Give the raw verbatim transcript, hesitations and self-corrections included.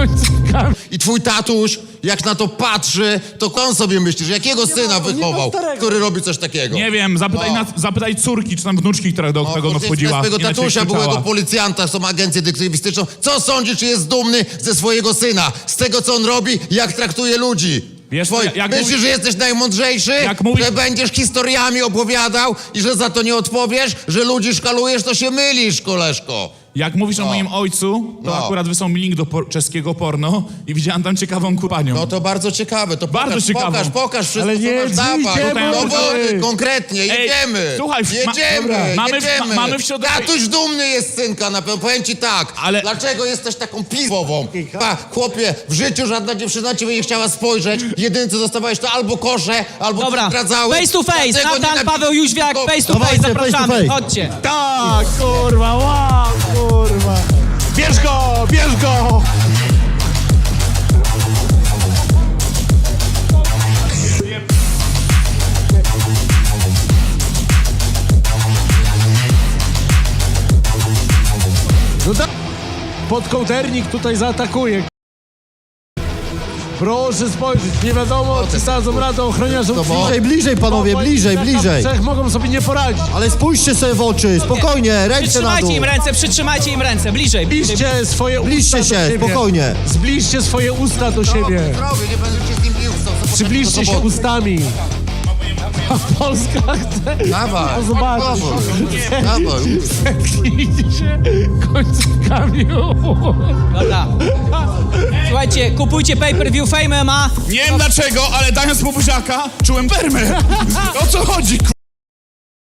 końcówkami. I twój tatuś, jak na to patrzy, to on sobie myślisz, jakiego syna wychował, który robi coś takiego? Nie wiem, zapytaj, No. na, zapytaj córki, czy tam wnuczki, która do tego no, wchodziła. swojego Inaczej tatusia, krzyczała. byłego policjanta, są agencję detektywistyczną. Co sądzisz, czy jest dumny ze swojego syna? Z tego, co on robi, jak traktuje ludzi? Wiesz, Twoi- jak Myślisz, mówi- że jesteś najmądrzejszy? Jak mówi- Że będziesz historiami opowiadał i że za to nie odpowiesz? Że ludzi szkalujesz, to się mylisz, koleżko. Jak mówisz o moim ojcu, to No. akurat wysłał mi link do por- czeskiego porno i widziałem tam ciekawą kupanią. No to bardzo ciekawe, to Bardzo pokaż, ciekawą. pokaż, pokaż wszystko, Ale nie co masz, dawaj. idziemy, Dowody, ej. konkretnie, Ej, jedziemy. słuchaj, ma- jedziemy, dobra. Mamy w- jedziemy. ma- mamy w środę- Tatuś dumny jest synka, na pewno, powiem ci tak. Ale- Dlaczego jesteś taką pisową? Pa, chłopie, w życiu żadna dziewczyna ciebie nie chciała spojrzeć. Jedyne, co dostawałeś, to albo kosze, albo Dobra, zdradzały. face to face, Dlatego Natan, nie Paweł Jóźwiak, napi- face to Dawajcie, face, face to zapraszamy, face. chodźcie. Tak, kurwa, wow, kurwa. Bierz go, bierz go! No tak, podkołdernik tutaj zaatakuje. Proszę spojrzeć, nie wiadomo, czy dadzą radę ochroniarzom. Bliżej, bliżej panowie, bliżej, bliżej. Trzech mogą sobie nie poradzić. Ale spójrzcie sobie w oczy, spokojnie, ręce na dół. Przytrzymajcie im ręce, przytrzymajcie im ręce, bliżej. bliżej. Zbliżcie swoje Bliżcie usta do się, siebie. spokojnie. Zbliżcie swoje usta do siebie. Zdrowie, nie będę cię z nim bił. co- co- Przybliżcie co- się co- ustami. A Polska chce Dawaj, to zobaczyć. dawaj. Zetknijcie się końcówkami. Dobra. Słuchajcie, kupujcie pay-per-view Fame M M A. Nie wiem dlaczego, ale dając mu buziaka, czułem wermę. O co chodzi,